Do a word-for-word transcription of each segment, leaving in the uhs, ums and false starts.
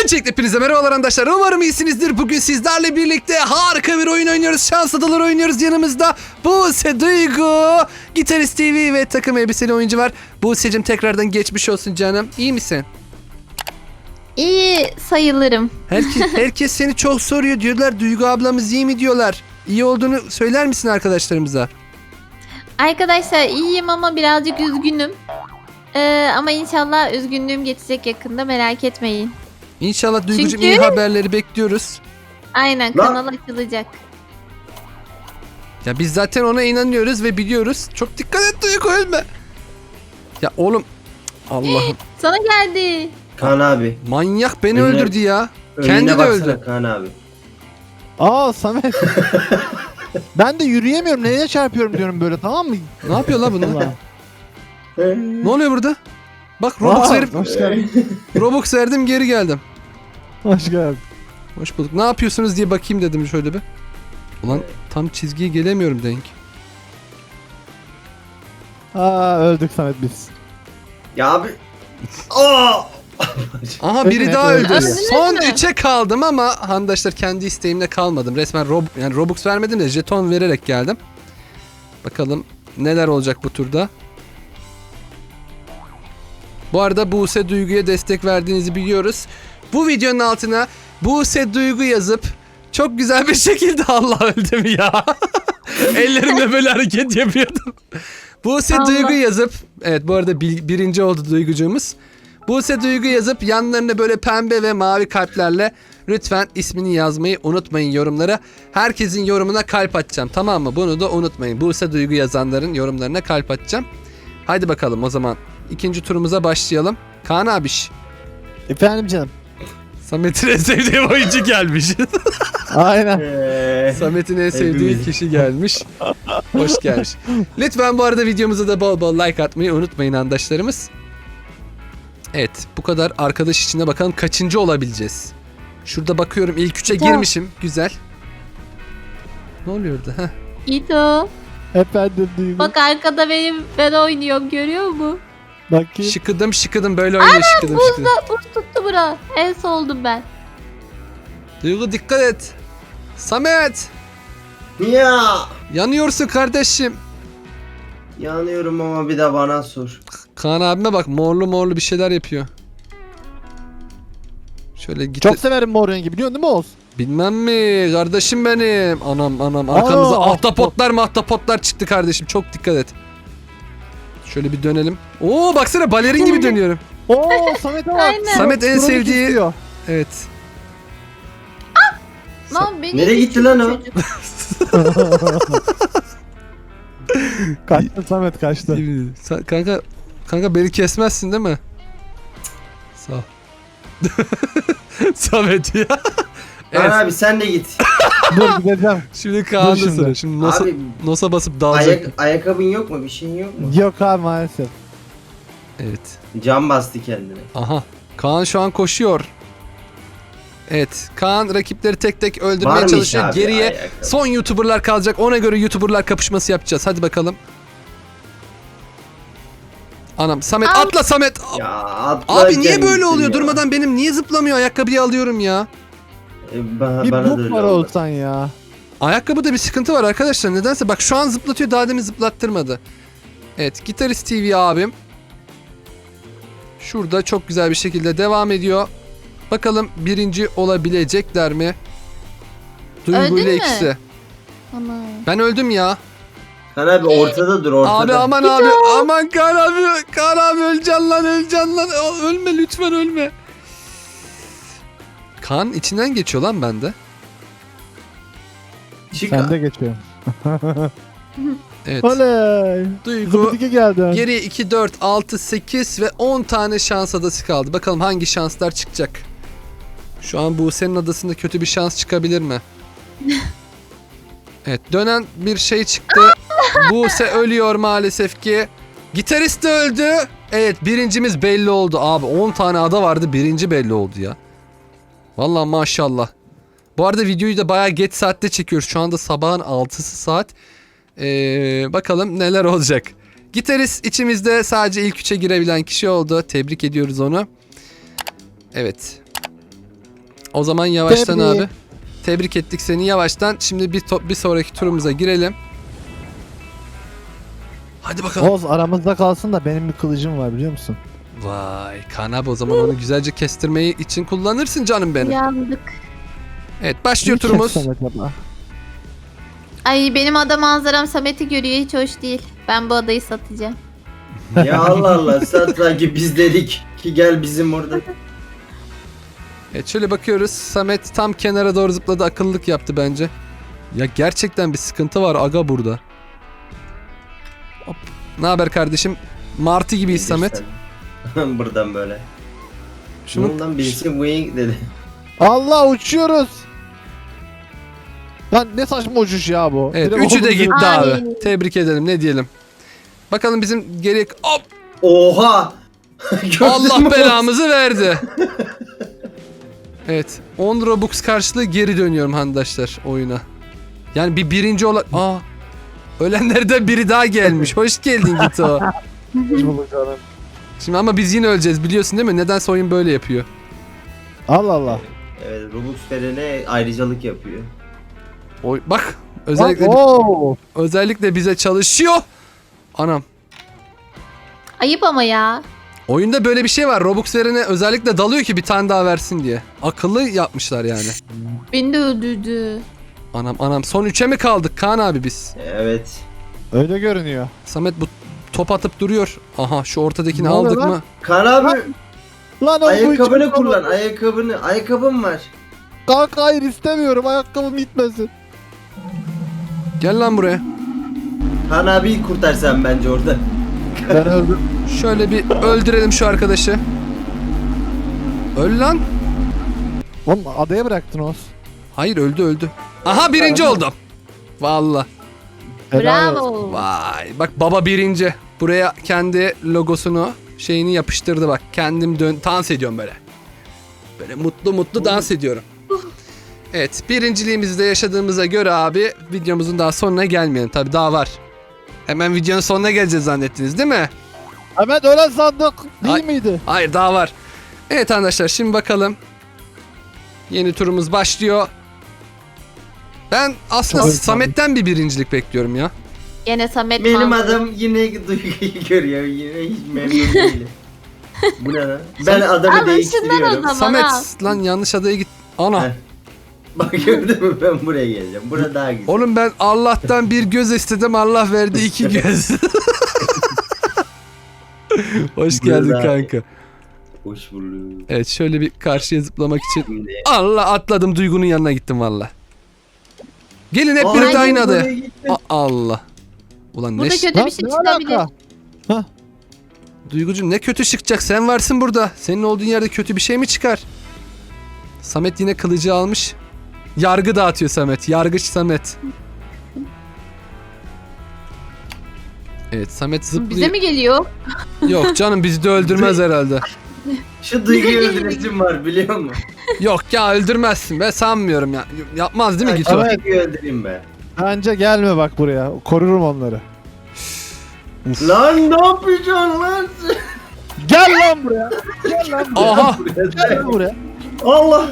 Öncelikle hepinize merhabalar arkadaşlar. Umarım iyisinizdir. Bugün sizlerle birlikte harika bir oyun oynuyoruz. Şans adaları oynuyoruz. Yanımızda Buse Duygu, Gitarist T V ve takım elbiseli oyuncu var. Buse'cim tekrardan geçmiş olsun canım. İyi misin? İyi sayılırım. Herkes, herkes seni çok soruyor. Diyorlar Duygu ablamız iyi mi diyorlar. İyi olduğunu söyler misin arkadaşlarımıza? Arkadaşlar iyiyim ama birazcık üzgünüm. Ee, ama inşallah üzgünlüğüm geçecek yakında, merak etmeyin. İnşallah Duygucuğum Çünkü- iyi haberleri bekliyoruz. Aynen, Lan- kanal açılacak. Ya biz zaten ona inanıyoruz ve biliyoruz. Çok dikkat et Duygu, ölme. Ya oğlum Allah'ım. Sana geldi. Kaan abi. Manyak beni Önüne- öldürdü ya. Önüne Kendi de baksana öldü. Kaan abi. Aa Samet. Ben de yürüyemiyorum. Neye çarpıyorum diyorum böyle, tamam mı? Ne yapıyor la bunlar? Ulan. Ne oluyor burada? Bak Robux Aa, verip Hoş geldin. Robux verdim, geri geldim. Hoş geldin. Hoş bulduk. Ne yapıyorsunuz diye bakayım dedim şöyle bir. Ulan tam çizgiye gelemiyorum denk. Aa öldük Samet biz. Ya abi. Aa! Aha biri Evet, daha evet, öldü. evet. Son Öldünüz mü? üçe kaldım ama arkadaşlar kendi isteğimle kalmadım. Resmen Rob yani Robux vermedim de jeton vererek geldim. Bakalım neler olacak bu turda. Bu arada Buse Duygu'ya destek verdiğinizi biliyoruz. Bu videonun altına Buse Duygu yazıp çok güzel bir şekilde Allah öldüm ya. Ellerimle böyle hareket yapıyordum. Buse Allah. Duygu yazıp, evet bu arada bil- birinci oldu Duygucuğumuz. Buse Duygu yazıp yanlarına böyle pembe ve mavi kalplerle lütfen ismini yazmayı unutmayın yorumlara. Herkesin yorumuna kalp atacağım, tamam mı? Bunu da unutmayın. Buse Duygu yazanların yorumlarına kalp atacağım. Haydi bakalım o zaman ikinci turumuza başlayalım. Kaan abiş. Efendim canım. Samet'in en sevdiği oyuncu gelmiş. Aynen. Eee, Samet'in en sevdiği Hepimiz. kişi gelmiş. Hoş gelmiş. Lütfen bu arada videomuza da bol bol like atmayı unutmayın arkadaşlarımız. Evet, bu kadar arkadaş içinde bakalım kaçıncı olabileceğiz. Şurada bakıyorum ilk üçe Tamam. girmişim. Güzel. Ne oluyor orada? Heh. İto. Efendim Duygu. Bak arkada benim, ben oynuyorum, görüyor musun? Bakayım. Şıkıdım şıkıdım böyle oynuyor şıkıdım şıkıdım. Buz tuttu bura. En soldum ben. Duygu dikkat et. Samet, Ya. yanıyorsun kardeşim. Yanıyorum ama bir de bana sor. Kaan abime bak, morlu morlu bir şeyler yapıyor. Şöyle git. Çok severim mor rengi, biliyorsun değil mi Oğuz? Bilmem mi kardeşim benim. Anam anam arkamıza Aa, ahtapotlar mahtapotlar çıktı kardeşim. Çok dikkat et. Şöyle bir dönelim. Oo baksana balerin gibi dönüyorum. Oo Samet'e bak. Aynen. Samet en Kronik sevdiği- istiyor. Evet. Lan beni Nereye gitti lan o? çocuk. Kaçtı Samet, kaçtı. Sen- kanka kanka beni kesmezsin değil mi? Sağ ol. Samet ya. Kaan Evet. abi sen de git. Dur gideceğim. Şimdi Kaan'da şimdi. sıra. Şimdi nosa, Abi nosa basıp dalacak. ayak, ayakkabın yok mu? Bir şeyin yok mu? Yok abi maalesef. Evet. Cam bastı kendine. Aha. Kaan şu an koşuyor. Evet. Kaan rakipleri tek tek öldürmeye Varmış çalışıyor. abi Geriye ayakkabı. son YouTuber'lar kalacak. Ona göre YouTuber'lar kapışması yapacağız. Hadi bakalım. Anam Samet Al. atla Samet. Ya atla Abi niye böyle gittin oluyor? ya. Durmadan benim niye zıplamıyor? Ayakkabıyı alıyorum ya. E, bana, Bir bana da buk öyle var oldu. olsan ya. Ayakkabıda bir sıkıntı var arkadaşlar. Nedense bak şu an zıplatıyor. Daha demin zıplattırmadı. Evet. Gitarist T V abim. Şurada çok güzel bir şekilde devam ediyor. Bakalım birinci olabilecekler mi? Duygu Öldün ile mü? ikisi. Aman. Ben öldüm ya. Kaan abi ortada dur ortada. Abi aman abi. Aman Kaan abi. Kaan abi öleceksin lan öleceksin lan. Ö- Ölme lütfen ölme. Kaan içinden geçiyor lan bende. Çık. Sen de geçiyorum. Evet. Oley. Duygu. Zıbıdıki geldi. Geriye iki, dört, altı, sekiz ve on tane şans adası kaldı. Bakalım hangi şanslar çıkacak. Şu an Buse'nin adasında kötü bir şans çıkabilir mi? Evet, dönen bir şey çıktı. Buse ölüyor maalesef ki. Gitarist de öldü. Evet, birincimiz belli oldu. Abi on tane ada vardı, birinci belli oldu ya. Vallahi maşallah. Bu arada videoyu da bayağı geç saatte çekiyoruz. Şu anda sabahın altısı saat. Ee, bakalım neler olacak. Gitarist içimizde sadece ilk üçe girebilen kişi oldu. Tebrik ediyoruz onu. Evet. O zaman yavaştan Tebrik. abi. Tebrik ettik seni yavaştan. Şimdi bir top, bir sonraki turumuza girelim. Hadi bakalım. Oğuz aramızda kalsın da benim bir kılıcım var biliyor musun? Vay Kaan abi, o zaman onu güzelce kestirmeyi için kullanırsın canım benim. Yandık. Evet, başlıyor Niye turumuz. kessem acaba? Ay benim ada manzaram Samet'i görüyor, hiç hoş değil. Ben bu adayı satacağım. Ya Allah Allah, sen sanki biz dedik ki gel bizim orada. Evet, şöyle bakıyoruz. Samet tam kenara doğru zıpladı, akıllılık yaptı bence. Ya gerçekten bir sıkıntı var aga burada. Hop. Ne haber kardeşim? Martı gibiyiz Samet. Sen. Buradan böyle. Şunu Bundan birisi wing dedi. Allah uçuyoruz. Lan ne saçma uçuş ya bu. Evet, Direkt üçü de oğlum gitti Ay. abi. Tebrik edelim, ne diyelim. Bakalım bizim geri... Hop! Oha! Gördün mü Allah Oğuz? belamızı verdi. Evet, on Robux karşılığı geri dönüyorum arkadaşlar oyuna. Yani bir birinci olan... Aa! Ölenlerden biri daha gelmiş. Hoş geldin Gito. bulduk canım. Şimdi ama biz yine öleceğiz, biliyorsun değil mi? Nedense oyun böyle yapıyor. Allah Allah. Evet, Robux verene ayrıcalık yapıyor. Oy, bak özellikle Oo. özellikle bize çalışıyor. Anam. Ayıp ama ya. Oyunda böyle bir şey var. Robux verene özellikle dalıyor ki bir tane daha versin diye. Akıllı yapmışlar yani. Beni de öldürdü. Anam anam, son üçe mi kaldık Kaan abi biz? Evet. Öyle görünüyor. Samet bu top atıp duruyor. Aha, şu ortadakini Ne oluyor aldık lan? mı? Kaan abi, Lan o ayakkabını bu için- kullan, ayakkabını. Ayakkabım var. Kanka hayır istemiyorum. Ayakkabım gitmesin. Gel lan buraya. Kaan abiyi kurtar sen bence orada. Ben öldüm. Şöyle bir öldürelim şu arkadaşı. Öl lan. Oğlum adaya bıraktın Oğuz. Hayır, öldü öldü. Aha, birinci oldum. Vallahi. Helal olsun. Bravo. Vay, bak baba birinci. Buraya kendi logosunu, şeyini yapıştırdı bak. Kendim dön dans ediyorum böyle. Böyle mutlu mutlu dans ediyorum. Evet, birinciliğimizi de yaşadığımıza göre abi videomuzun daha sonuna gelmeyelim. Tabii daha var. Hemen videonun sonuna geleceğiz zannettiniz değil mi? Hemen öyle sandık değil Ay. miydi? Hayır, daha var. Evet arkadaşlar, şimdi bakalım. Yeni turumuz başlıyor. Ben aslında Çok Samet'ten bir birincilik bekliyorum ya. Gene Samet Benim manzara. adam yine Duygu'yu görüyor. Yine hiç memnun değilim. Bu ne lan? Ben adamı Alın şundan o değiştiriyorum. zaman. Samet al. lan, yanlış adaya git. Ana. Heh. Bak gördün mü, ben buraya geleceğim. Bura daha güzel. Oğlum ben Allah'tan bir göz istedim, Allah verdi iki göz. Hoş geldin Burada- kanka. Hoş bulduk. Evet, şöyle bir karşıya zıplamak için. Şimdi. Allah, atladım, Duygu'nun yanına gittim valla. Gelin hep Aa, birlikte Ay, aynı adaya. buraya gittim. A- Allah. Ulan Burada ne kötü Lan bir şey ne çıkabilir. alaka? Duygucuğum, ne kötü çıkacak, sen varsın burada. Senin olduğun yerde kötü bir şey mi çıkar? Samet yine kılıcı almış. Yargı dağıtıyor Samet. Yargıç Samet. Evet, Samet zıplıyor. Bize mi geliyor? Yok canım, bizi de öldürmez herhalde. Şu Duygu'yu öldüresim var biliyor musun? Yok ya, öldürmezsin be, sanmıyorum ya. Yapmaz değil mi Gito? Evet. Duygu'yu öldüreyim be. Bence gelme bak buraya. Korurum onları. Lan ne yapacaksın lan sen? Gel lan buraya. Gel lan buraya. Aha. Gel lan buraya. Allah.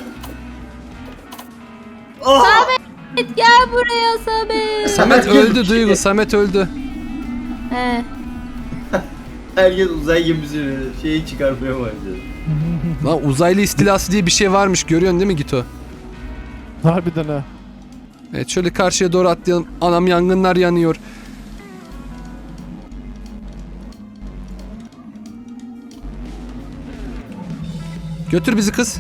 Ah. Gel buraya Samet. Samet öldü Duygu, Samet öldü. He. Herkes uzay gemisini şeyi çıkarmaya başladı. Lan uzaylı istilası diye bir şey varmış, görüyorsun değil mi Gito? Harbiden ha. Evet, şöyle karşıya doğru atlayalım. Anam, yangınlar yanıyor. Götür bizi kız.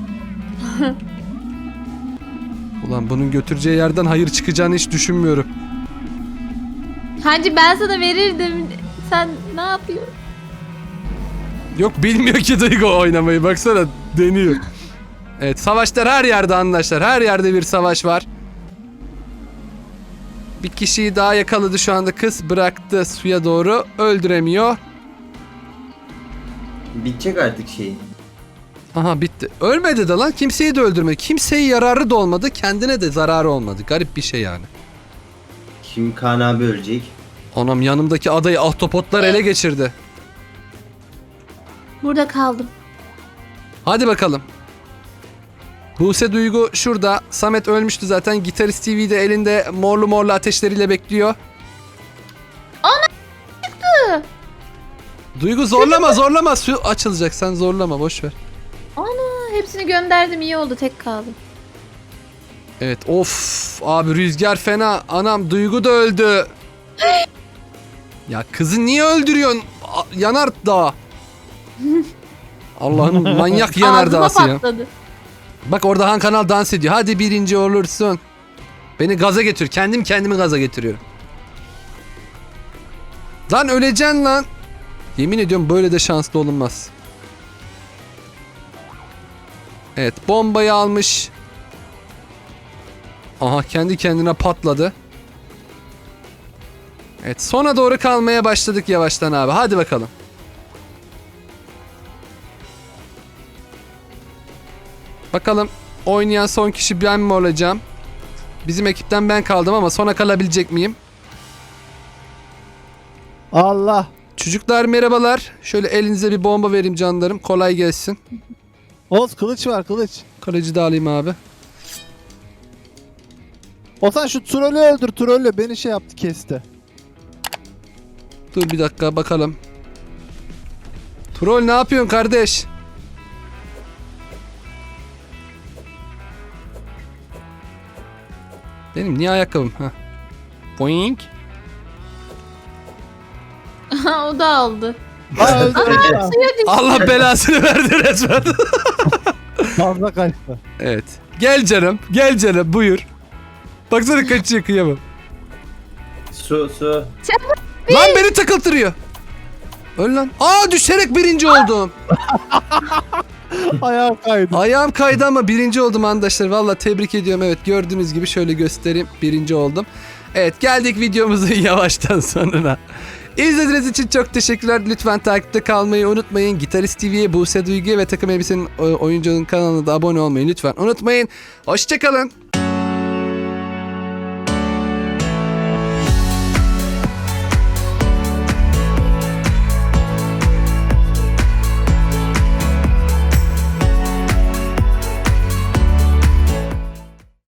Ulan bunun götüreceği yerden hayır çıkacağını hiç düşünmüyorum. Hacı ben sana verirdim. Sen ne yapıyorsun? Yok, bilmiyor ki Duygu oynamayı, baksana deniyor. Evet, savaşlar her yerde arkadaşlar, her yerde bir savaş var. Bir kişiyi daha yakaladı şu anda kız, bıraktı suya doğru, öldüremiyor. Bitecek artık şey. Aha, bitti. Ölmedi de lan, kimseyi de öldürmedi. Kimseye yararı da olmadı, kendine de zararı olmadı. Garip bir şey yani. Şimdi Kaan abi ölecek. Anam, yanımdaki adayı ahtapotlar ele geçirdi. Burada kaldım. Hadi bakalım. Buse Duygu şurada. Samet ölmüştü zaten. Gitarist T V'de elinde morlu morlu ateşleriyle bekliyor. Ana çıktı. Duygu zorlama zorlama. Su açılacak. Sen zorlama boş ver. Ana hepsini gönderdim, iyi oldu, tek kaldım. Evet of abi rüzgar fena. Anam Duygu da öldü. Ya kızı niye öldürüyorsun? A- Yanar dağ. Allah'ın manyak yanar Ağzıma dağısı ya. patladı. Bak orada Han Kanal dans ediyor. Hadi birinci olursun. Beni gaza getir. Kendim kendimi gaza getiriyorum. Lan öleceksin lan. Yemin ediyorum böyle de şanslı olunmaz. Evet bombayı almış. Aha kendi kendine patladı. Evet sona doğru kalmaya başladık yavaştan abi. Hadi bakalım. Bakalım oynayan son kişi ben mi olacağım? Bizim ekipten ben kaldım ama sona kalabilecek miyim? Allah. Çocuklar merhabalar. Şöyle elinize bir bomba vereyim canlarım. Kolay gelsin. Oğuz kılıç var kılıç. Kaleci de alayım abi. Ozan şu trolü öldür, trolü beni şey yaptı, kesti. Dur bir dakika bakalım. Troll ne yapıyorsun kardeş? Benim niye ayakkabım? Heh. Boing. O da aldı. Aa öldü. Aa, Suya düştü. Allah belasını verdi resmen. Fazla kaçtı. Evet. Gel canım. Gel canım. Buyur. Baksana kaçıyor kıyamam. Su su. Lan beni takıltırıyor. Öl lan. Aa düşerek birinci oldum. Ayağım kaydı. Ayağım kaydı ama birinci oldum arkadaşlar. Valla tebrik ediyorum. Evet gördüğünüz gibi şöyle göstereyim. Birinci oldum. Evet geldik videomuzun yavaştan sonuna. İzlediğiniz için çok teşekkürler. Lütfen takipte kalmayı unutmayın. Gitarist T V'ye, Buse Duygu'ya ve Takım Elbise'nin oyuncunun kanalına da abone olmayı lütfen unutmayın. Hoşçakalın.